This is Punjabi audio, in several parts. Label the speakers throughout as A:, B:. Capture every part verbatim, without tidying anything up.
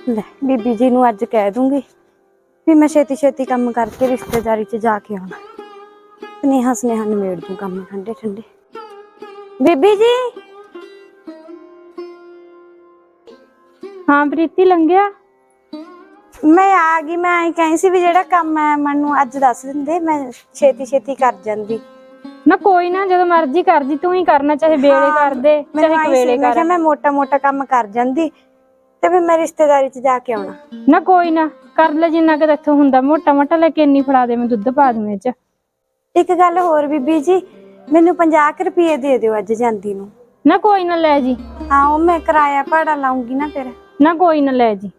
A: ਲੈ ਬੀਬੀ ਜੀ ਨੂੰ ਅੱਜ ਕਹਿ ਦੂੰਗੀ ਵੀ ਮੈਂ ਛੇਤੀ ਛੇਤੀ ਕੰਮ ਕਰਕੇ ਰਿਸ਼ਤੇਦਾਰੀ 'ਚ ਜਾ ਕੇ ਆਉਣਾ। स्नेहा स्नेहा निमेड़ दूं काम ठंडे ठंडे। बीबी जी
B: हाँ प्रीति लंघिया
A: मैं आ गई। मैं आई कहीं सी भी जेड़ा काम है मैनू अज दस दिंदे मैं छेती छेती कर जांदी
B: ना। कोई ना जो मर्जी कर दी तू ही करना, चाहे बेले
A: हाँ,
B: कर दे चाहे कवेले कर।
A: मैं, मैं मोटा मोटा काम कर जांदी ते फिर मैं रिश्तेदारी च जाके आउणा।
B: ना कोई ना कर ले जिन्ना कि इत्थों हुंदा, मोटा मोटा लेके इन्नी फड़ा दे, मैं दुद्ध पा दूं इच।
A: एक गल होर बीबी जी मैनू पचास रुपये दे दिओ अज जांदी नू।
B: ना कोई ना ले जी।
A: हाँ वो मैं किराया भाड़ा लाऊंगी ना फिर।
B: ना कोई ना ले जी।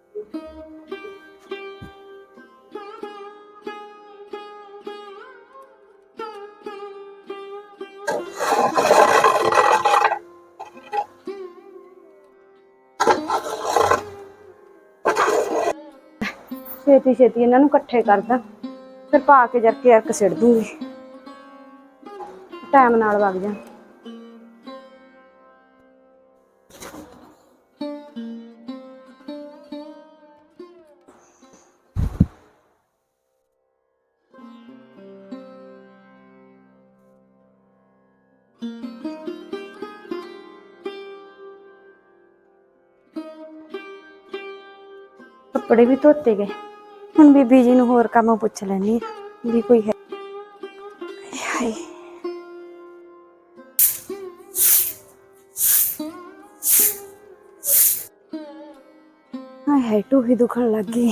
A: छेती छेती इन्हां नू इकट्ठे करदा फिर पा के जरके अरक सिड़ दूंगी, टाइम नाल वग जा। कपड़े भी धोते गए। हुण बीबी जी नू होर काम पुछ लैनी भी कोई है। हाय हाय हाय टूही दुखन लग गई।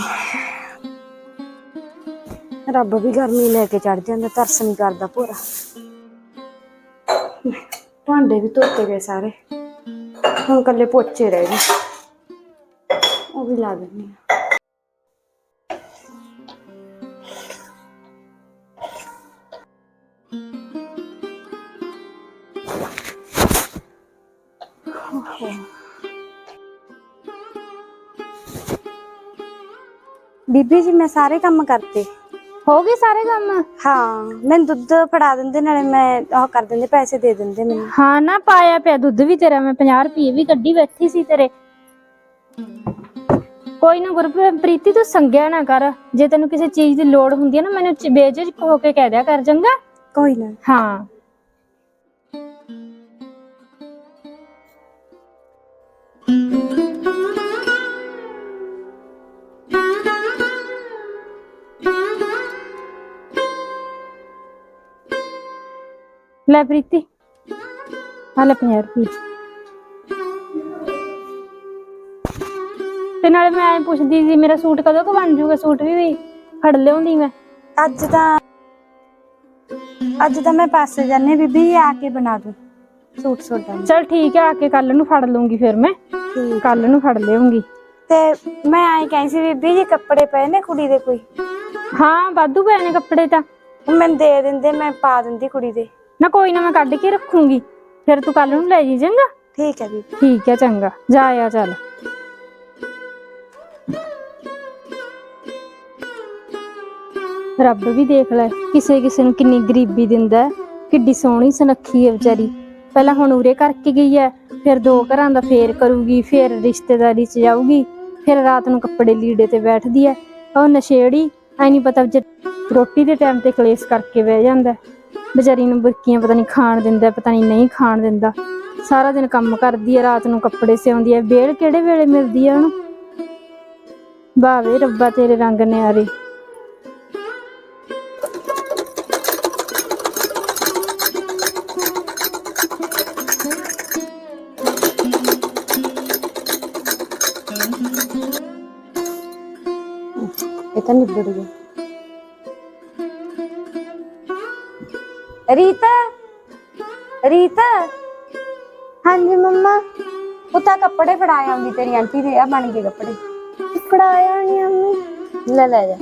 A: रब भी गर्मी लेके चढ़ जांदा, तरस नहीं करदा पूरा। भांडे भी धोते गए सारे, हुण कल्ले पोचे रह गए, वो भी ला देनी। बीबी जी मैं सारे काम करते।
B: हो गए सारे काम?
A: हाँ मैं दुध फड़ा देंदे नाले मैं ओह कर देंदे, पैसे दे देंदे मैनू।
B: हाँ ना पाया पिया दुध भी तेरा, मैं पचास रुपये भी कड्डी बैठी सी तेरे। कोई ना गुरप्रीति तू संग्या ना कर, जे तेनू किसी चीज की लोड़ हुंदी है ना मैनू बेझिझक होके कह दिया कर, चंगा?
A: कोई ना।
B: हाँ ले प्रीति आ ले पचास रुपये। ते नाले मैं ऐ पुछदी सी मेरा सूट कदों क बन जूगा, सूट भी फड़ लिआउंदी मैं।
A: अज तां अज तां मैं पासे जाने बीबी आके बना दूं सूट सोटा।
B: चल ठीक है, आके कल नू फड़ लूंगी फिर मैं, कल नू फड़ लिआऊंगी।
A: ते मैं आई कहीं सी बीबी जी कपड़े पे ने कुड़ी दे कोई?
B: हाँ वाधू पे ने कपड़े तां
A: मैनू दे दिंदे, मैं पा दिंदी कुड़ी दे।
B: ना कोई ना मैं कढ़ के रखूंगी, फिर तू कल नू ले जी, चंगा?
A: ठीक है बीबी।
B: ठीक है चंगा, जा आ चल। रब भी देख लै किसे किसे नू किन्नी गरीबी दिंदा है, किड्डी सोहनी सुनक्खी है बेचारी। पहला हुण उरे करके गई है, फिर दो घरां दा फेर करूगी, फिर रिश्तेदारी च जाऊगी, फिर रात नू कपड़े लीड़े ते बैठदी है। और नशेड़ी ऐ नहीं पता रोटी दे टाइम ते कलेस करके बह जांदा बेचारी नू, बुरकियां पता नहीं खाण दिंदा पता नहीं नहीं खाण दिंदा। सारा दिन काम करदी है, रात नू कपड़े सिउंदी है, बेल किहड़े वेले मिलदी है उहनू। वाह वे रब्बा तेरे रंग न्यारे।
A: इतना निबड़ गया। रीता रीता हाँ जी मम्मा। उता कपड़े फड़ाए आउंदी तेरी आंटी दे, आ बन गए कपड़े। फड़ाया नहीं अम्मी। ले ले जा।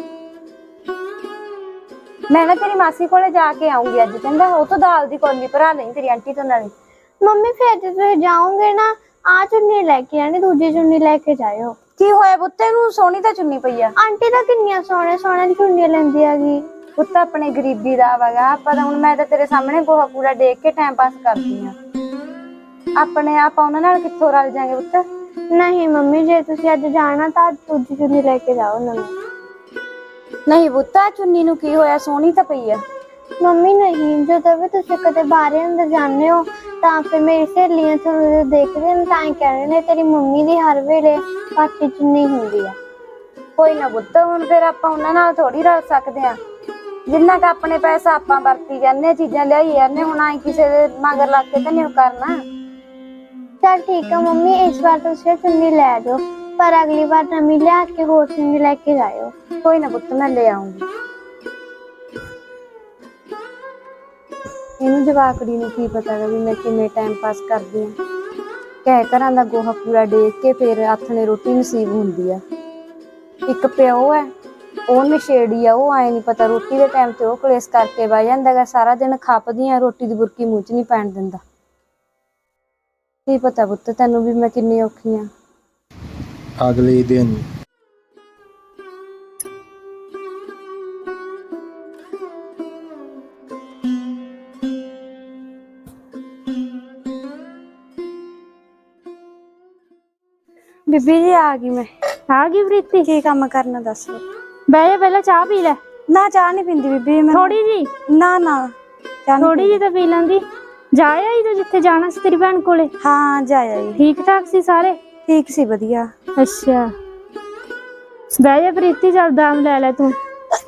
A: मैं ना तेरी मासी कोले जाके आऊंगी अज, कहंदा ओ तो दाल दी कौली भरा लई तेरी आंटी तो नाले।
C: मम्मी फिर जे तुसीं जाओगे ना आ चुन्नी लेके आनी, दूजी चुन्नी लेके जाओ।
A: की होया पुत्ते नू? सोहनी तां चुन्नी पई आ।
C: आंटी तां किन्नियां सोहणे सोहणे चुन्नी लैंदी हैगी।
A: पुत्त अपने गरीबी दा वगा आपां तां हुण मैं तां तेरे सामने गोहा कूड़ा देख के टाइम पास करदी आ। अपने आप उन्हां नाल कित्थों रल जांगे पुत्त?
C: ਨਹੀਂ ਮੰਮੀ, ਜੇ ਤੁਸੀਂ ਅੱਜ ਜਾਣਾ ਤਾਂ ਅੱਜ ਦੂਜੀ ਚੁੰਨੀ ਲੈ ਕੇ ਜਾਓ ਨਵੀਂ।
A: ਨਹੀਂ ਪੁੱਤਾ, ਚੁੰਨੀ ਨੂੰ ਕੀ ਹੋਇਆ, ਸੋਹਣੀ ਤਾਂ ਪਈ ਆ।
C: ਮੰਮੀ ਨਹੀਂ, ਜਦੋਂ ਵੀ ਤੁਸੀਂ ਕਦੇ ਬਾਹਰ ਅੰਦਰ ਜਾਂਦੇ ਹੋ ਤਾਂ ਫਿਰ ਮੇਰੀ ਸਹੇਲੀਆਂ ਤੁਹਾਨੂੰ ਦੇਖਦੇ ਨੇ ਤਾਂ ਹੀ ਕਹਿੰਦੇ ਨੇ ਤੇਰੀ ਮੰਮੀ ਦੀ ਹਰ ਵੇਲੇ ਪਾਟੀ ਚੁੰਨੀ ਹੁੰਦੀ ਆ।
A: ਕੋਈ ਨਾ ਪੁੱਤ, ਹੁਣ ਫਿਰ ਆਪਾਂ ਉਹਨਾਂ ਨਾਲ ਥੋੜੀ ਰਲ ਸਕਦੇ ਆ। ਜਿੰਨਾ ਕ ਆਪਣੇ ਪੈਸਾ ਆਪਾਂ ਵਰਤੀ ਜਾਂਦੇ, ਚੀਜ਼ਾਂ ਲਿਆਈ ਜਾਂਦੇ, ਹੁਣ ਆਈ ਕਿਸੇ ਦੇ ਮਗਰ ਲੱਗ ਕੇ ਤਾਂ ਨਹੀਂ ਕਰਨਾ।
C: ਚਲ ਠੀਕ ਆ ਮੰਮੀ, ਇਸ ਵਾਰ ਤੁਸੀਂ ਚੁੰਨੀ ਲੈ ਜਾਓ, ਪਰ ਅਗਲੀ ਵਾਰ ਨਵੀਂ ਲਿਆ ਕੇ ਹੋਰ ਚੁੰਨੀ ਲੈ ਕੇ ਜਾਇਓ।
A: ਕੋਈ ਨਾ ਪੁੱਤ, ਮੈਂ ਲੈ ਆਉਂਗੀ। ਇਹਨੂੰ ਜਵਾਕੜੀ ਨੂੰ ਕੀ ਪਤਾ ਗਾ ਵੀ ਮੈਂ ਕਿਵੇਂ ਟਾਈਮ ਪਾਸ ਕਰਦੀ ਆ। ਕਹਿ ਘਰਾਂ ਦਾ ਗੋਹਾ ਕੂੜਾ ਦੇਖ ਕੇ ਫਿਰ ਆਥਣੇ ਰੋਟੀ ਨਸੀਬ ਹੁੰਦੀ ਆ। ਇੱਕ ਪਿਓ ਹੈ, ਉਹ ਨਸ਼ੇੜੀ ਆ, ਉਹ ਆਏ ਨਹੀਂ ਪਤਾ ਰੋਟੀ ਦੇ ਟਾਈਮ ਤੇ ਉਹ ਕਲੇਸ਼ ਕਰਕੇ ਬਹਿ ਜਾਂਦਾ ਗਾ, ਸਾਰਾ ਦਿਨ ਖਪਦੀ ਆ, ਰੋਟੀ ਦੀ ਬੁਰਕੀ ਮੂੰਹ ਚ ਨਹੀਂ ਪੈਣ ਦਿੰਦਾ। ਕੀ ਪਤਾ ਪੁੱਤ ਤੈਨੂੰ ਵੀ ਮੈਂ ਕਿੰਨੀ ਔਖੀ ਆ।
D: ਅਗਲੇ ਦਿਨ
A: ਬੀਬੀ ਜੀ ਆ ਗਈ ਮੈਂ।
B: ਆ ਗਈ ਪ੍ਰੀਤੀ?
A: ਕੀ ਕੰਮ ਕਰਨਾ ਦੱਸੋ?
B: ਬਹਿ ਜਾ, ਪਹਿਲਾਂ ਚਾਹ ਪੀ ਲੈ।
A: ਨਾ ਚਾਹ ਨਹੀਂ ਪੀਂਦੀ ਬੀਬੀ ਮੈਂ।
B: ਥੋੜੀ ਜੀ?
A: ਨਾ ਨਾ ਚਾਹ ਨੀ
B: ਥੋੜੀ ਜੀ ਤਾਂ ਪੀ ਲੈਂਦੀ। ਜਾ ਆਈ ਤੂੰ ਜਿੱਥੇ ਜਾਣਾ ਸੀ ਤੇਰੀ ਭੈਣ ਕੋਲੇ?
A: ਹਾਂ ਜਾਇਆ ਜੀ।
B: ਠੀਕ ਠਾਕ ਸੀ ਸਾਰੇ?
A: ਠੀਕ ਸੀ, ਵਧੀਆ।
B: ਅੱਛਾ, ਬਹਿ ਜਾ ਪ੍ਰੀਤੀ, ਚੱਲ ਦਾਮ ਲੈ ਲੈ ਤੂੰ।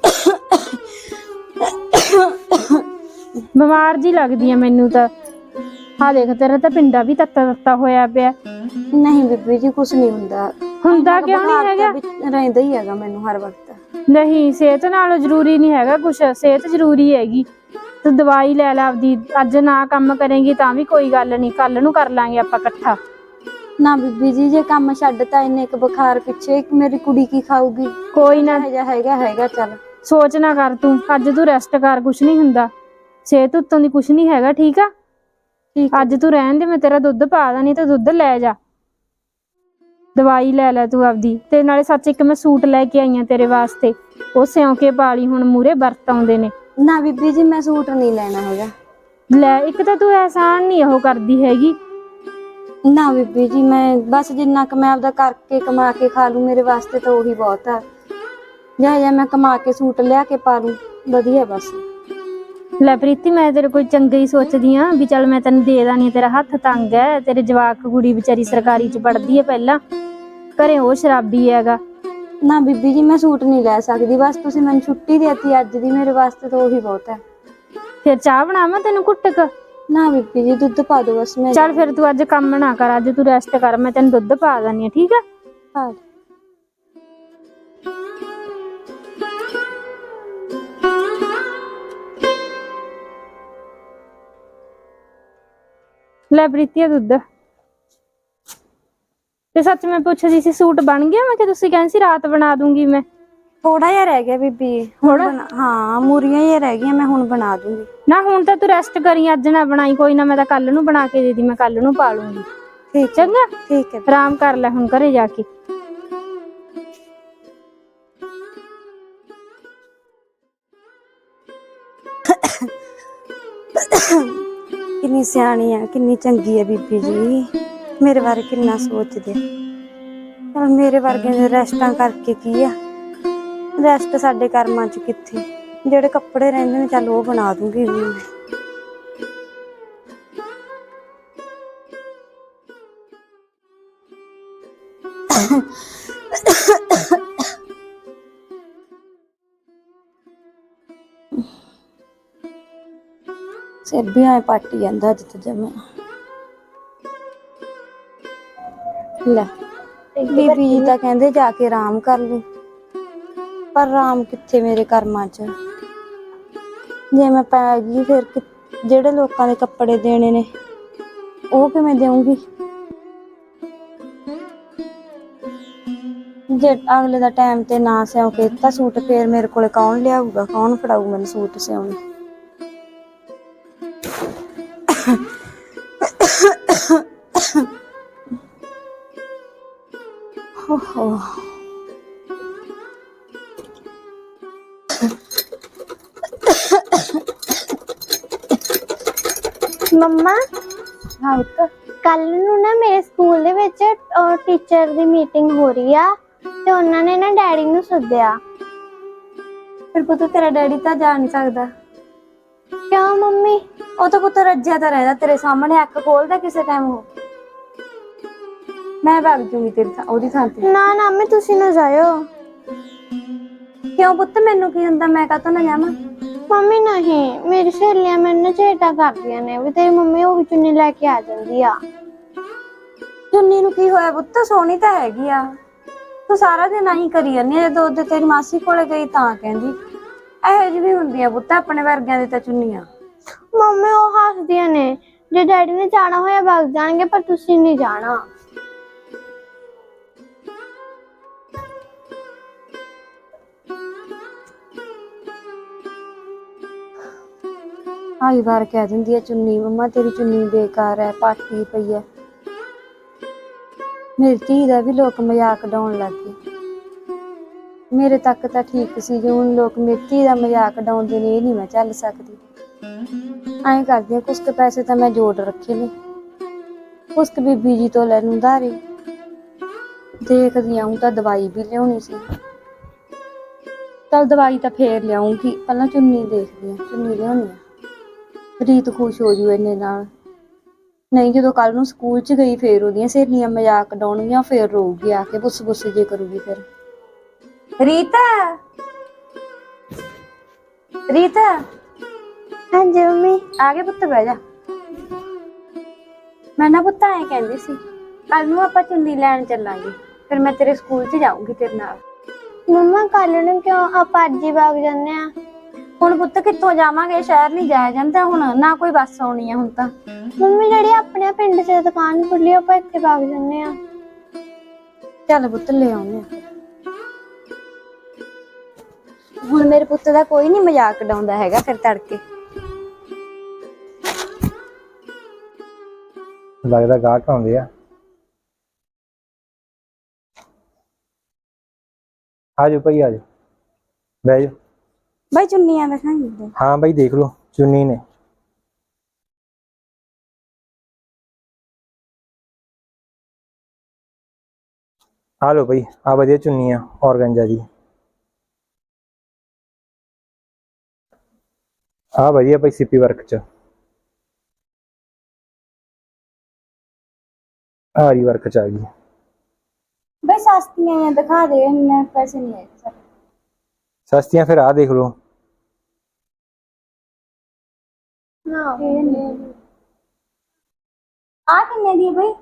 B: ਬਿਮਾਰ ਜੀ ਲੱਗਦੀ ਆ ਮੈਨੂੰ ਤਾਂ। ਆ ਦੇਖ, ਤੇਰਾ ਤਾਂ ਪਿੰਡਾ ਵੀ ਤੱਤਾ ਤੱਤਾ ਹੋਇਆ ਪਿਆ।
A: ਨਹੀਂ ਬੀਬੀ ਜੀ, ਕੁਛ ਨਹੀਂ ਹੁੰਦਾ।
B: ਹੁੰਦਾ ਕਿਉਂ ਨਹੀਂ ਹੈਗਾ?
A: ਰਹਿੰਦਾ ਹੀ ਹੈਗਾ ਮੈਨੂੰ ਹਰ ਵਕਤ।
B: ਨਹੀਂ, ਸਿਹਤ ਨਾਲੋਂ ਜ਼ਰੂਰੀ ਨਹੀਂ ਹੈਗਾ ਕੁਛ, ਸਿਹਤ ਜ਼ਰੂਰੀ ਹੈਗੀ। ਤੂੰ ਦਵਾਈ ਲੈ ਲੈ ਆਪਦੀ। ਅੱਜ ਨਾ ਕੰਮ ਕਰੇਂਗੀ ਤਾਂ ਵੀ ਕੋਈ ਗੱਲ ਨਹੀਂ, ਕੱਲ ਨੂੰ ਕਰ ਲਾਂਗੇ ਆਪਾਂ ਇਕੱਠਾ।
A: ਨਾ ਬੀਬੀ ਜੀ, ਜੇ ਕੰਮ ਛੱਡਤਾ ਇੰਨੇ ਕ ਬੁਖਾਰ ਪਿੱਛੇ ਮੇਰੀ ਕੁੜੀ ਕੀ ਖਾਊਗੀ?
B: ਕੋਈ ਨਾ,
A: ਹੈਗਾ ਹੈਗਾ ਚੱਲ।
B: ਸੋਚ ਨਾ ਕਰ ਤੂੰ, ਅੱਜ ਤੂੰ ਰੈਸਟ ਕਰ, ਕੁਛ ਨਹੀਂ ਹੁੰਦਾ। ਸਿਹਤ ਉੱਤੋਂ ਦੀ ਕੁਛ ਨਹੀਂ ਹੈਗਾ, ਠੀਕ ਆ?
A: ਠੀਕ
B: ਅੱਜ ਤੂੰ ਰਹਿਣ ਦੇ, ਮੈਂ ਤੇਰਾ ਦੁੱਧ ਪਾ ਦਾਂ, ਨਹੀਂ ਤਾਂ ਦੁੱਧ ਲੈ ਜਾ। ਦਵਾਈ ਲੈ ਲੈ ਤੂੰ ਆਪਦੀ। ਤੇ ਨਾਲੇ ਸੱਚ, ਇੱਕ ਮੈਂ ਸੂਟ ਲੈ ਕੇ ਆਈ ਆ ਤੇਰੇ ਵਾਸਤੇ, ਉਹ ਸਿਉਂ ਕੇ ਪਾ ਲਈ, ਹੁਣ ਮੂਹਰੇ ਵਰਤ ਆਉਂਦੇ ਨੇ।
A: ਨਾ ਬੀਬੀ ਜੀ, ਮੈਂ ਸੂਟ ਨਹੀਂ ਲੈਣਾ ਹੈਗਾ।
B: ਲੈ, ਇੱਕ ਤਾਂ ਤੂੰ ਐਹਸਾਨ ਨਹੀਂ ਉਹ ਕਰਦੀ ਹੈਗੀ।
A: ਨਾ ਬੀਬੀ ਜੀ, ਮੈਂ ਬਸ ਜਿੰਨਾ ਕੁ ਮੈਂ ਆਪਦਾ ਕਰਕੇ ਕਮਾ ਕੇ ਖਾ ਲੂ, ਮੇਰੇ ਵਾਸਤੇ ਤਾਂ ਉਹੀ ਬਹੁਤ ਆ। ਜਾਂ ਜਾਂ ਮੈਂ ਕਮਾ ਕੇ ਸੂਟ ਲਿਆ ਕੇ ਪਾ ਲੂ, ਵਧੀਆ ਬਸ।
B: ਲੈ ਪ੍ਰੀਤੀ, ਮੈਂ ਤੇਰੇ ਕੋਈ ਚੰਗਾ ਹੀ ਸੋਚਦੀ ਆ ਵੀ ਚੱਲ ਮੈਂ ਤੈਨੂੰ ਦੇ ਦਾਂ। ਤੇਰਾ ਹੱਥ ਤੰਗ ਹੈ, ਤੇਰੇ ਜਵਾਕ ਕੁੜੀ ਵਿਚਾਰੀ ਸਰਕਾਰੀ ਚ ਪੜ੍ਹਦੀ ਹੈ, ਪਹਿਲਾਂ ਘਰੇ ਉਹ ਸ਼ਰਾਬੀ ਹੈਗਾ।
A: ਨਾ ਬੀਬੀ ਜੀ, ਮੈਂ ਸੂਟ ਨਹੀਂ ਲੈ ਸਕਦੀ, ਬਸ ਤੁਸੀਂ ਮੈਨੂੰ ਛੁੱਟੀ ਦੇਤੀ ਅੱਜ ਦੀ, ਮੇਰੇ ਵਾਸਤੇ ਤਾਂ ਉਹੀ ਬਹੁਤ ਹੈ।
B: ਫਿਰ ਚਾਹ ਬਣਾਵਾਂ ਤੈਨੂੰ ਕੁੱਟਕ?
A: ਨਾ ਬੀਬੀ ਜੀ, ਦੁੱਧ ਪਾ ਦੋ ਬਸ। ਮੈਂ
B: ਚੱਲ ਫਿਰ ਤੂੰ ਅੱਜ ਕੰਮ ਨਾ ਕਰ, ਅੱਜ ਤੂੰ ਰੈਸਟ ਕਰ, ਮੈਂ ਤੈਨੂੰ ਦੁੱਧ ਪਾ ਦਿੰਦੀ ਆ, ਠੀਕ ਆ?
A: ਹਾਂ।
B: ਲੈ ਪ੍ਰੀਤੀ, ਦੁੱਧ। ਤੇ ਸੱਚ ਮੈਂ ਪੁੱਛਦੀ ਸੀ, ਸੂਟ ਬਣ ਗਿਆ? ਮੈਂ ਕਿ ਤੁਸੀਂ ਕਹਿੰਦੇ ਸੀ ਰਾਤ ਬਣਾ ਦੂੰਗੀ ਮੈਂ।
A: ਥੋੜਾ ਜਿਹਾ ਰਹਿ ਗਿਆ ਬੀਬੀ ਹੁਣ। ਹਾਂ, ਮੂਰੀਆਂ ਹੀ ਰਹਿ ਗਈਆਂ, ਮੈਂ ਹੁਣ ਬਣਾ ਦੂੰਗੀ।
B: ਨਾ ਹੁਣ ਤਾਂ ਤੂੰ ਰੈਸਟ ਕਰੀ, ਅੱਜ ਨਾ ਬਣਾਈ। ਕੋਈ ਨਾ, ਮੈਂ ਤਾਂ ਕੱਲ ਨੂੰ ਬਣਾ ਕੇ ਦੇ ਦੀ, ਮੈਂ ਕੱਲ ਨੂੰ ਪਾ ਲੂੰਗੀ।
A: ਠੀਕ
B: ਚੰਗਾ?
A: ਠੀਕ ਹੈ।
B: ਆਰਾਮ ਕਰ ਲੈ ਹੁਣ ਘਰੇ ਜਾ ਕੇ।
A: ਕਿੰਨੀ ਸਿਆਣੀ ਆ, ਕਿੰਨੀ ਚੰਗੀ ਆ ਬੀਬੀ ਜੀ, ਮੇਰੇ ਬਾਰੇ ਕਿੰਨਾ ਸੋਚਦੇ। ਪਰ ਮੇਰੇ ਵਰਗੇ ਦੇ ਰੈਸਟਾਂ ਕਰਕੇ ਕੀ ਆ, ਰੈਸਟ ਸਾਡੇ ਕਰਮਾਂ ਚ ਕਿੱਥੇ। ਜਿਹੜੇ ਕੱਪੜੇ ਰਹਿੰਦੇ ਨੇ ਚੱਲ ਉਹ ਬਣਾ ਦੂੰਗੀ ਮੈਂ। ਸਿਰ ਵੀ ਐ ਪੱਟ ਜਾਂਦਾ ਅੱਜ ਤਾਂ ਜਮਾ। ਲੈ ਬੀਬੀ ਜੀ ਤਾਂ ਕਹਿੰਦੇ ਜਾ ਕੇ ਆਰਾਮ ਕਰ ਲੂ, ਪਰ ਆਰਾਮ ਕਿੱਥੇ ਮੇਰੇ ਕਰਮਾਂ ਚ। ਜੇ ਮੈਂ ਪੈ ਗਈ ਫਿਰ ਜਿਹੜੇ ਲੋਕਾਂ ਦੇ ਕੱਪੜੇ ਦੇਣੇ ਨੇ ਉਹ ਕਿਵੇਂ ਦੇਵਾਂਗੀ? ਜੇ ਅਗਲੇ ਦਾ ਟਾਈਮ ਤੇ ਨਾ ਸਿਉਂ ਕੇ ਦਿੱਤਾ ਸੂਟ, ਫੇਰ ਮੇਰੇ ਕੋਲੇ ਕੌਣ ਲਿਆਊਗਾ, ਕੌਣ ਫੜਾਊ ਮੈਨੂੰ ਸੂਟ ਸਿਉਣੇ? ਓਹੋ
C: ਮੰਮਾ,
A: ਹਾਂ ਪੁੱਤ।
C: ਕੱਲ ਨੂੰ ਨਾ ਮੇਰੇ ਸਕੂਲ ਦੇ ਵਿੱਚ ਟੀਚਰ ਦੀ ਮੀਟਿੰਗ ਹੋ ਰਹੀ ਆ ਤੇ ਉਹਨਾਂ ਨੇ ਨਾ ਡੈਡੀ ਨੂੰ ਸੱਦਿਆ।
A: ਫਿਰ ਪੁੱਤ ਤੇਰਾ ਡੈਡੀ ਤਾਂ ਜਾ ਨਹੀਂ ਸਕਦਾ।
C: ਕਿਉਂ ਮੰਮੀ?
A: ਉਹ ਤਾਂ ਪੁੱਤ ਰੱਜਿਆ ਤਾਂ ਰਹਿੰਦਾ ਤੇਰੇ ਸਾਹਮਣੇ, ਅੱਖ ਖੋਲਦਾ ਕਿਸੇ ਟਾਈਮ ਉਹ। ਮੈਂ ਵਗ ਜੂਗੀ ਤੇਰੀ ਥਾਂ ਉਹਦੀ ਥਾਂ ਤੇ।
C: ਨਾ ਨਾ ਮੈਂ ਤੁਸੀਂ ਨਾ ਜਾਇਓ।
A: ਕਿਉਂ ਪੁੱਤ ਮੈਨੂੰ ਕੀ ਹੁੰਦਾ, ਮੈਂ ਕਾਹਤੋਂ ਨਾ ਜਾਵਾਂ?
C: ਮੰਮੀ ਨਹੀਂ, ਮੇਰੀ ਸਹੇਲੀਆਂ ਮੈਨੂੰ ਝੇਟਾ ਕਰਦੀਆਂ ਨੇ ਵੀ ਤੇਰੀ ਮੰਮੀ ਉਹ ਵੀ ਚੁੰਨੀ ਲੈ ਕੇ ਆ ਜਾਂਦੀ ਆ।
A: ਚੁੰਨੀ ਨੂੰ ਕੀ ਹੋਇਆ ਪੁੱਤ, ਸੋਹਣੀ ਤਾਂ ਹੈਗੀ ਆ। ਤੂੰ ਸਾਰਾ ਦਿਨ ਆਹੀ ਕਰੀ ਜਾਂਦੀ ਆ, ਜਦੋਂ ਉਹਦੇ ਤੇਰੀ ਮਾਸੀ ਕੋਲੇ ਗਈ ਤਾਂ ਕਹਿੰਦੀ। ਇਹੋ ਜਿਹੀ ਵੀ ਹੁੰਦੀ ਆ ਪੁੱਤ ਆਪਣੇ ਵਰਗਿਆਂ ਦੀ ਤਾਂ ਚੁੰਨੀਆਂ।
C: ਮੰਮੀ ਉਹ ਹੱਸਦੀਆਂ ਨੇ, ਜੇ ਡੈਡੀ ਨੇ ਜਾਣਾ ਹੋਇਆ ਵਗ ਜਾਣਗੇ ਪਰ ਤੁਸੀਂ ਨਹੀਂ ਜਾਣਾ।
A: ਆਈ ਵਾਰ ਕਹਿ ਦਿੰਦੀ ਆ ਚੁੰਨੀ, ਮੰਮਾ ਤੇਰੀ ਚੁੰਨੀ ਬੇਕਾਰ ਹੈ, ਪਾਟੀ ਪਈ ਹੈ। ਮੇਰੀ ਧੀ ਦਾ ਵੀ ਲੋਕ ਮਜ਼ਾਕ ਉਡਾਉਣ ਲੱਗ ਗਏ। ਮੇਰੇ ਤੱਕ ਤਾਂ ਠੀਕ ਸੀ, ਜੇ ਹੁਣ ਲੋਕ ਮੇਰੀ ਧੀ ਦਾ ਮਜ਼ਾਕ ਉਡਾਉਂਦੇ ਨੇ, ਇਹ ਨਹੀਂ ਮੈਂ ਝੱਲ ਸਕਦੀ। ਐਂ ਕਰਦੀ ਆ, ਕੁਛ ਕੁ ਪੈਸੇ ਤਾਂ ਮੈਂ ਜੋੜ ਰੱਖੇ ਨੇ, ਕੁਛ ਕੁ ਬੀਬੀ ਜੀ ਤੋਂ ਲੈ ਲੂੰ ਉਧਾਰੇ। ਦੇਖਦੀ ਆਊਂ ਤਾਂ ਦਵਾਈ ਵੀ ਲਿਆਉਣੀ ਸੀ। ਚੱਲ ਦਵਾਈ ਤਾਂ ਫੇਰ ਲਿਆਉਂਗੀ, ਪਹਿਲਾਂ ਚੁੰਨੀ ਦੇਖਦੀ ਆ, ਚੁੰਨੀ ਲਿਆਉਣੀ ਆ। ਰੀਤ ਖੁਸ਼ ਹੋ ਜੂ ਇੰਨੇ ਨਾਲ। ਨਹੀਂ ਜਦੋਂ ਕੱਲ ਨੂੰ ਸਕੂਲ ਚ ਗਈ ਫੇਰ ਉਹਦੀਆਂ ਸਹੇਲੀਆਂ ਮਜ਼ਾਕ ਉਡਾਉਣਗੀਆਂ, ਫੇਰ ਰੋਊਗੀ ਆ ਕੇ, ਬੁੱਸ ਬੁੱਸ ਜੇ ਕਰੂਗੀ। ਫਿਰ ਰੀਤ, ਰੀਤ
C: ਹਾਂਜੀ ਮੰਮੀ।
A: ਆ ਗਏ ਪੁੱਤ, ਬਹਿ ਜਾ। ਮੈਂ ਨਾ ਪੁੱਤ ਐਂ ਕਹਿੰਦੀ ਸੀ, ਕੱਲ ਨੂੰ ਆਪਾਂ ਚੁੰਨੀ ਲੈਣ ਚੱਲਾਂਗੇ, ਫਿਰ ਮੈਂ ਤੇਰੇ ਸਕੂਲ ਚ ਜਾਊਂਗੀ ਤੇਰੇ ਨਾਲ।
C: ਮੰਮਾ ਕੱਲ ਨੂੰ ਕਿਉਂ, ਆਪਾਂ ਅੱਜ ਹੀ ਵਗ ਜਾਂਦੇ ਆ।
A: ਹੁਣ ਪੁੱਤ ਕਿੱਥੋਂ ਜਾਵਾਂਗੇ, ਸ਼ਹਿਰ ਨਹੀਂ ਜਾਇਆ ਜਾਂਦਾ ਹੁਣ, ਨਾ ਕੋਈ ਬੱਸ ਆਉਣੀ ਆ ਹੁਣ ਤਾਂ।
C: ਮੰਮੀ ਜਿਹੜੀ ਆਪਣੇ ਪਿੰਡ ਚ ਦੁਕਾਨ ਖੁੱਲੀ ਆਪਾਂ ਇੱਥੇ ਵਗ ਜਾਂਦੇ ਆ।
A: ਚੱਲ ਪੁੱਤ ਲੈ ਆਉਂਦੇ ਆ। ਹੁਣ ਮੇਰੇ ਪੁੱਤ ਦਾ ਕੋਈ ਨੀ ਮਜ਼ਾਕ ਉਡਾਉਂਦਾ ਹੈਗਾ ਫਿਰ ਤੜਕੇ।
D: ਲੱਗਦਾ ਗਾਹਕ ਆਉਂਦੇ ਆ। ਆਜੋ ਭਾਈ ਆਜੋ, ਬਹਿ ਜਾਓ।
A: ਬਾਈ ਚੁੰਨੀਆਂ ਦਿਖਾਈਏ।
D: ਹਾਂ ਬਾਈ ਦੇਖ ਲਓ, ਚੁੰਨੀ ਨੇ। ਆ ਲਓ ਭਾਈ, ਆ ਵਧੀਆ ਚੁੰਨੀ ਆ ਔਰਗੰਜਾ ਦੀ। ਆ ਵਧੀਆ ਭਾਈ ਸਿੱਪੀ ਵਰਕ ਚ, ਆਰੀ ਵਰਕ ਚ ਆ ਗਈ।
A: ਬਾਈ ਸਸਤੀਆਂ ਦਿਖਾ ਦੇ, ਇੰਨੇ ਪੈਸੇ ਨਹੀਂ ਹੈਗੇ ਸਾਡੇ।
D: ਸਸਤੀਆਂ ਫਿਰ ਆ ਦੇਖ ਲਓ।
C: ਨਾ
A: ਆ ਕਿੰਨੇ ਦੀ ਹੈ ਬਾਈ?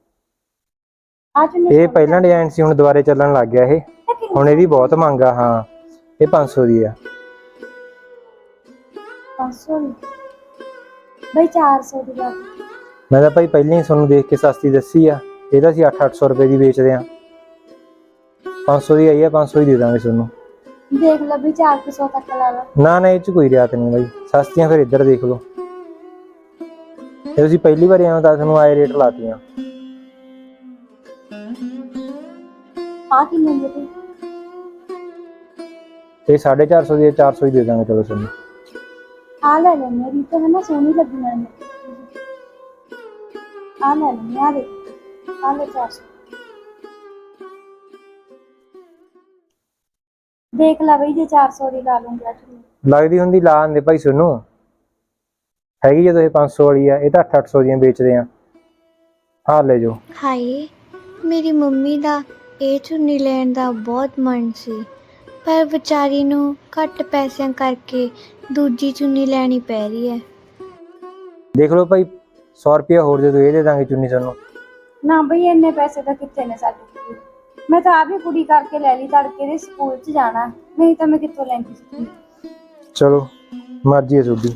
A: ਆ ਚੁੰਨੀ
D: ਇਹ ਪਹਿਲਾਂ ਡਿਜ਼ਾਈਨ ਸੀ, ਹੁਣ ਦੁਬਾਰੇ ਚੱਲਣ ਲੱਗ ਗਿਆ ਇਹ, ਹੁਣ ਇਹਦੀ ਬਹੁਤ ਮੰਗ ਆ। ਹਾਂ ਇਹ ਪੰਜ ਸੌ ਦੀ ਆ।
A: ਪੰਜ ਸੌ ਦੀ ਬਾਈ, ਚਾਰ ਸੌ ਦੀ ਬਾਤ।
D: ਮੈਂ ਤਾਂ ਭਾਈ ਪਹਿਲਾਂ ਹੀ ਤੁਹਾਨੂੰ ਦੇਖ ਕੇ ਸਸਤੀ ਦੱਸੀ ਆ, ਇਹਦਾ ਅਸੀਂ ਅੱਠ ਅੱਠ ਸੌ ਰੁਪਏ ਦੀ ਵੇਚਦੇ ਆ। ਪੰਜ ਸੌ ਦੀ ਆਈ ਆ, ਪੰਜ ਸੌ ਹੀ ਦੇ ਦਾਂਗੇ ਤੁਹਾਨੂੰ।
A: ਦੇਖ ਲੈ ਵੀ ਚਾਰ ਕੁ ਸੌ ਤੱਕ ਲਾ ਲਾ।
D: ਨਾ ਨਾ ਇਹ ਚ ਕੋਈ ਰਿਆਤ ਨਹੀਂ ਬਾਈ, ਸਸਤੀਆਂ ਫਿਰ ਇੱਧਰ ਦੇਖ ਲਓ। ਇਹ ਤੁਸੀਂ ਪਹਿਲੀ ਵਾਰੀ ਆਏ ਤਾਂ ਤੁਹਾਨੂੰ ਆਏ ਰੇਟ ਲਾਤੀਆਂ।
A: ਆ ਕਿੰਨੇ ਦੀ ਬਾਈ?
D: ਇਹ ਸਾਢੇ ਚਾਰ ਸੌ ਦੀ, ਚਾਰ ਸੌ ਹੀ ਦੇ ਦਾਂਗੇ ਚਲੋ ਤੁਹਾਨੂੰ।
A: ਆ ਲੈ ਲੈ, ਮੇਰੀ ਤਾਂ ਹੈ ਨਾ ਸੋਹਣੀ ਲੱਗੀ ਮੈਨੂੰ। ਆ ਲੈ ਲੈ, ਆ ਦੇ, ਆ ਲੈ ਚਾਰ ਸੌ। ਦੇਖ ਲੈ ਬਈ, ਜੇ ਚਾਰ ਸੌ ਦੀ ਲਾ ਲੂੰਗਾ ਚੁੰਨੀ।
D: ਲੱਗਦੀ ਹੁੰਦੀ ਲਾ ਆਂਦੇ ਭਾਈ ਤੁਹਾਨੂੰ, ਹੈਗੀ ਜਦੋਂ ਇਹ ਪੰਜ ਸੌ ਵਾਲੀ ਆ, ਇਹ ਤਾਂ ਅੱਠ ਅੱਠ ਸੌ ਦੀਆਂ ਵੇਚਦੇ ਆ। ਹਾਂ ਲੈ ਜਾਓ।
C: ਹਾਏ, ਮੇਰੀ ਮੰਮੀ ਦਾ ਇਹ ਚੁੰਨੀ ਲੈਣ ਦਾ ਬਹੁਤ ਮਨ ਸੀ, ਪਰ ਵਿਚਾਰੀ ਨੂੰ ਘੱਟ ਪੈਸਿਆਂ ਕਰਕੇ ਦੂਜੀ ਚੁੰਨੀ ਲੈਣੀ ਪੈ ਰਹੀ ਹੈ।
D: ਦੇਖ ਲਓ ਭਾਈ, ਸੌ ਰੁਪਇਆ ਹੋਰ ਦੇ ਦਿਓ, ਇਹ ਦੇ ਦਾਂਗੇ ਚੁੰਨੀ ਤੁਹਾਨੂੰ।
A: ਨਾ ਬਈ ਇੰਨੇ ਪੈਸੇ ਤਾਂ ਕਿੱਥੇ ਨੇ ਸਾਡੇ ਕੋਲ। ਮੈਂ ਤਾਂ ਆਪ ਹੀ ਕੁੜੀ ਕਰਕੇ ਲੈ ਲਈ, ਤੜਕੇ ਦੇ ਸਕੂਲ 'ਚ ਜਾਣਾ, ਨਹੀਂ ਤਾਂ ਮੈਂ ਕਿੱਥੋਂ ਲੈਂਦੀ ਸੀ।
D: ਚਲੋ ਮਰਜ਼ੀ ਹੈ ਤੁਹਾਡੀ।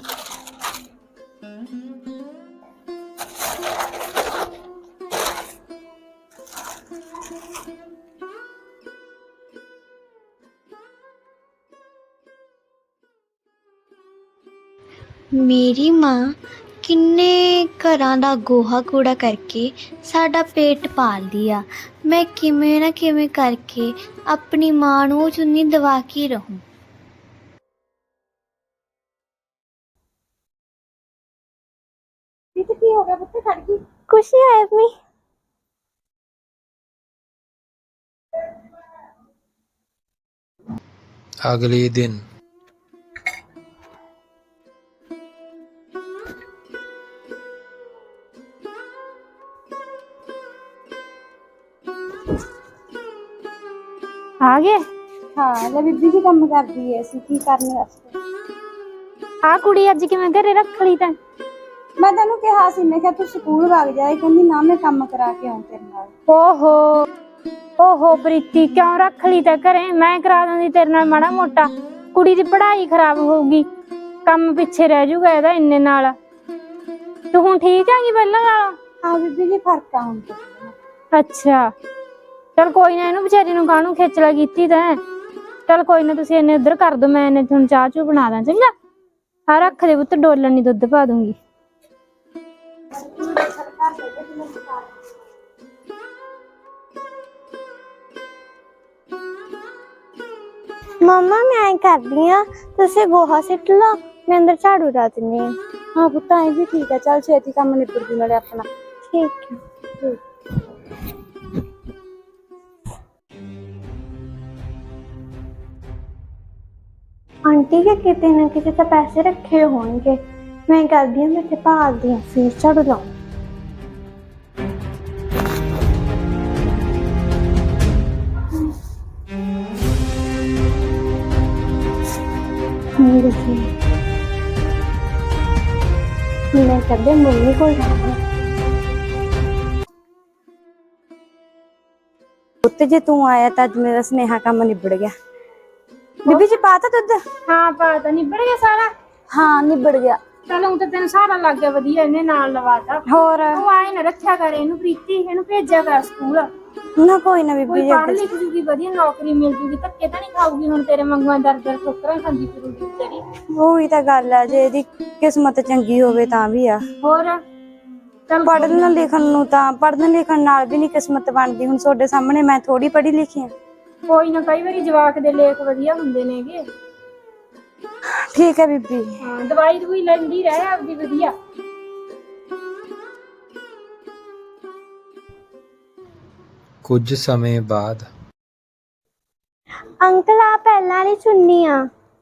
C: ਮੇਰੀ ਮਾਂ ਕਿੰਨੇ ਘਰਾਂ ਦਾ ਗੋਹਾ ਕੂੜਾ ਕਰਕੇ ਸਾਡਾ ਪੇਟ ਪਾਲਦੀ ਆ। ਮੈਂ ਕਿਵੇਂ ਨਾ ਕਿਵੇਂ ਕਰਕੇ ਆਪਣੀ ਮਾਂ ਨੂੰ ਉਹ ਚੁੰਨੀ ਦਵਾ ਕੇ ਰਹੂੰ।
A: ਇਹ ਕੀ ਹੋ ਗਿਆ ਪੁੱਤ, ਖੜ ਗਈ?
C: ਕੁਛ ਨਹੀਂ ਹੋਇਆ ਮੰਮੀ।
D: अगले दिन
B: ਆ ਗਏ।
A: ਹਾਂ ਲੈ ਬੀਬੀ ਜੀ ਕੰਮ ਕਰਦੀ ਐ, ਅਸੀਂ ਕੀ ਕਰਨ ਵਾਸਤੇ।
B: ਆ ਕੁੜੀ ਅੱਜ ਕਿਵੇਂ ਘਰੇ ਰੱਖ ਲਈ ਤੈਂ?
A: ਮੈਂ ਤੈਨੂੰ ਕਿਹਾ ਸੀ, ਮੈਂ ਕਿਹਾ ਤੂੰ ਸਕੂਲ ਵਗ ਜਾਏ, ਕਹਿੰਦੀ ਨਾ ਮੈਂ ਕੰਮ ਕਰਾ ਕੇ ਆਉਂ ਤੇਰੇ ਨਾਲ।
B: ਓਹੋ ਓਹੋ ਪ੍ਰੀਤੀ, ਕਿਉਂ ਰੱਖ ਲਈ ਤੈਂ ਘਰੇ? ਮੈਂ ਕਰਾ ਦਿੰਦੀ ਤੇਰੇ ਨਾਲ ਮਾੜਾ ਮੋਟਾ। ਕੁੜੀ ਦੀ ਪੜ੍ਹਾਈ ਖਰਾਬ ਹੋਊਗੀ, ਕੰਮ ਪਿੱਛੇ ਰਹਿ ਜਾਊਗਾ ਇਹਦਾ ਇੰਨੇ ਨਾਲ। ਤੂੰ ਹੁਣ ਠੀਕ ਹੈਗੀ ਪਹਿਲਾਂ ਨਾਲ?
A: ਹਾਂ ਬੀਬੀ ਜੀ ਫਰਕ ਆ ਹੁਣ ਤਾਂ।
B: ਅੱਛਾ ਚਲ ਕੋਈ ਨਾ, ਇਹਨੂੰ ਵਿਚਾਰੀ ਨੂੰ ਕਾਹਨੂੰ ਖੇਚਲਾ ਕੀਤੀ ਤੈਂ। ਚਲ ਕੋਈ ਨਾ, ਤੁਸੀਂ ਇਹਨੇ ਉੱਧਰ ਕਰ ਦੋ, ਮੈਂ ਇਹਨੇ ਤੁਹਾਨੂੰ ਚਾਹ ਚੂ ਬਣਾ ਦਾਂ। ਚੰਗਾ ਹਾਂ ਰੱਖ ਦੇ ਪੁੱਤ, ਡੋਲਣ ਨੀ ਦੁੱਧ ਪਾ ਦੂੰਗੀ।
C: ਮੰਮਾ ਮੈਂ ਕਰਦੀ ਆ, ਤੁਸੀਂ ਗੋਹਾ ਸਿੱਟ ਲਓ, ਮੈਂ ਅੰਦਰ ਝਾੜੂ ਲਾ ਦਿੰਦੀ ਆ।
A: ਹਾਂ ਪੁੱਤ ਐ ਵੀ ਠੀਕ ਹੈ, ਚੱਲ ਛੇਤੀ ਕੰਮ ਨਿਬੜ ਜੂ ਨਾਲੇ ਆਪਣਾ।
C: ਠੀਕ ਹੈ। ਆਂਟੀ ਕੇ ਕਿਤੇ ਨਾ ਕਿਤੇ ਤਾਂ ਪੈਸੇ ਰੱਖੇ ਹੋਣਗੇ, ਮੈਂ ਕਰਦੀ ਹਾਂ, ਮੈਂ ਤੇ ਭਾਲਦੀ ਹਾਂ, ਫਿਰ ਝਾੜੂ ਲਾਉਂ। मैं कदे मम्मी को जाना।
A: ਪੁੱਤ ਜੇ ਤੂੰ ਆਇਆ ਤਾਂ ਅੱਜ ਮੇਰਾ ਸੁਨੇਹਾ ਕੰਮ ਨਿਬੜ ਗਿਆ। ਬੀਬੀ ਜੀ ਪਾਤਾ ਦੁੱਧ?
B: ਹਾਂ ਪਾ ਤਾਂ ਨਿਬੜ ਗਿਆ ਸਾਰਾ।
A: ਹਾਂ ਨਿਬੜ ਗਿਆ।
B: ਚਲ ਹੁਣ ਤਾਂ ਤੈਨੂੰ ਸਾਰਾ ਲੱਗ ਗਿਆ ਵਧੀਆ, ਇਹਨੇ ਨਾਲ ਲਵਾਤਾ।
A: ਹੋਰ
B: ਉਹ ਆਏ ਨਾ ਰੱਖਿਆ ਕਰ ਇਹਨੂੰ ਪ੍ਰੀਤੀ, ਇਹਨੂੰ ਭੇਜਿਆ ਕਰ ਸਕੂਲ।
A: ਨਾ ਕੋਈ ਨਾ ਬੀਬੀ
B: ਕੋਈ
A: ਜੀ,
B: ਪੜ੍ਹ ਲਿਖ ਜੂਗੀ, ਵਧੀਆ ਨੌਕਰੀ ਮਿਲ ਜੂਗੀ, ਧੱਕੇ ਤਾਂ ਨਹੀਂ ਖਾਊਗੀ ਹੁਣ ਤੇਰੇ ਵਾਂਗੂ ਦਰ ਦਰ ਠੋਕਰਾਂ ਖਾਂਦੀ ਫਿਰੂਗੀ ਵਿਚਾਰੀ।
A: ਉਹੀ ਤਾਂ ਗੱਲ ਆ, ਜੇ ਇਹਦੀ ਕਿਸਮਤ ਚੰਗੀ ਹੋਵੇ ਤਾਂ ਵੀ ਆ।
B: ਹੋਰ ਚੱਲ
A: ਪੜ੍ਹਨ ਲਿਖਣ ਨੂੰ ਤਾਂ ਪੜ੍ਹਨ ਲਿਖਣ ਨਾਲ ਵੀ ਨਹੀਂ ਕਿਸਮਤ ਬਣਦੀ। ਹੁਣ ਤੁਹਾਡੇ ਸਾਹਮਣੇ ਮੈਂ ਥੋੜੀ ਪੜ੍ਹੀ ਲਿਖੀ ਆ।
B: ਕੋਈ ਨਾ, ਕਈ ਵਾਰੀ ਜਵਾਕ ਦੇ ਲੇਖ ਵਧੀਆ ਹੁੰਦੇ ਨੇਗੇ।
A: ਠੀਕ ਹੈ ਬੀਬੀ।
B: ਹਾਂ ਦਵਾਈ ਦਵਾਈ ਲੈਂਦੀ ਰਹਿ ਆਪਦੀ ਵਧੀਆ।
D: कुछ समय बाद
C: अंकल आ पहला वाली चुन्नी आ।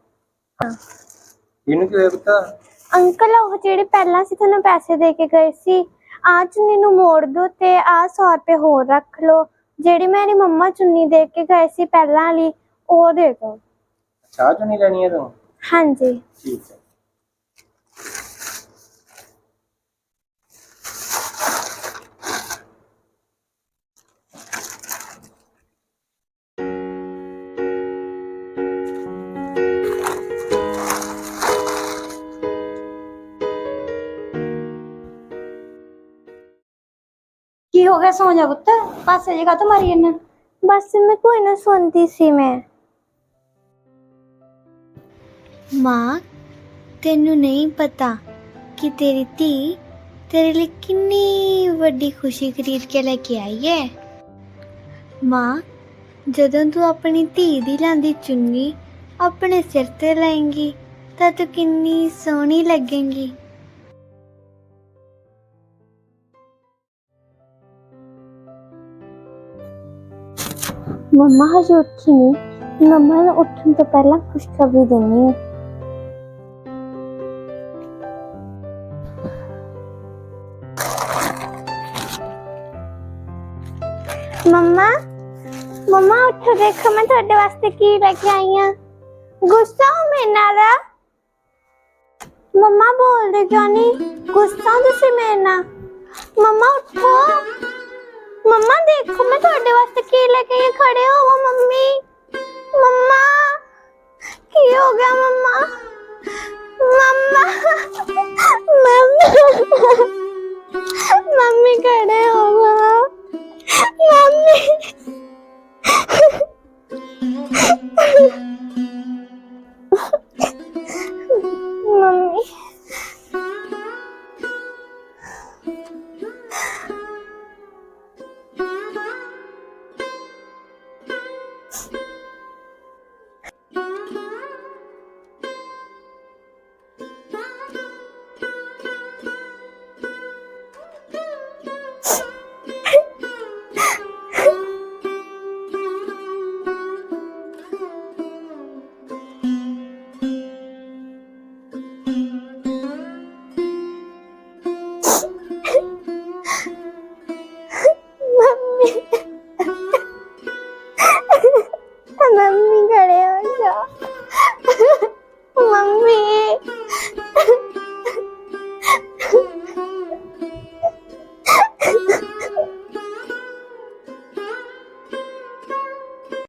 D: ਇਹਨੂੰ ਕੀ ਹੋਇਆ ਪਤਾ?
C: अंकल ਉਹ ਜਿਹੜੇ ਪਹਿਲਾਂ ਸੀ ਤੁਹਾਨੂੰ ਪੈਸੇ ਦੇ ਕੇ ਗਏ ਸੀ, ਆ ਚੁੰਨੀ ਨੂੰ ਮੋੜ ਦੋ ਤੇ ਆ ਸੌ ਰੁਪਏ ਹੋਰ ਰੱਖ ਲਓ। ਜਿਹੜੀ ਮੇਰੀ ਮੰਮਾ ਚੁੰਨੀ ਦੇ ਕੇ ਗਏ ਸੀ ਪਹਿਲਾਂ ਵਾਲੀ, ਉਹ ਦੇ ਦੋ।
D: ਚਾਹ ਚੋਂ ਨਹੀਂ ਲੈਣੀ ਹੈ ਤੂੰ?
C: ਹਾਂਜੀ
D: ਠੀਕ ਹੈ।
A: ਕੀ ਹੋ ਗਿਆ? ਸੌ ਜਾ ਪੁੱਤ, ਪਾਸੇ ਜਗ੍ਹਾ ਤੋਂ ਮਾਰੀ ਇਹਨਾਂ।
C: बस मैं कोई ना सुनती सी। मैं माँ तेनू नहीं पता कि तेरी धी तेरे लिए कितनी बड़ी खुशी खरीद के लेके आई है। माँ जदों तू अपनी धी दी लांदी चुन्नी अपने सिर ते लाएंगी तां तू कितनी सोहनी लगेंगी। मम्मा हजे उठी नहीं, मम्मा ने उठने तो पहला खुशखबरी देनी है। मम्मा मम्मा उठो, देखो मैं थोड़े वास्ते की लेके आई हूं। गुस्सा हो मेरे नाल? मम्मा बोल दे क्यों नहीं? गुस्सा हो तुसी मेरे नाल? मम्मा उठो, मम्मा देखो मैं थोड़े वास्ते की लेके ये खड़े हो। वो मम्मी, मम्मा की हो गया? मम्मा मम्मा मैं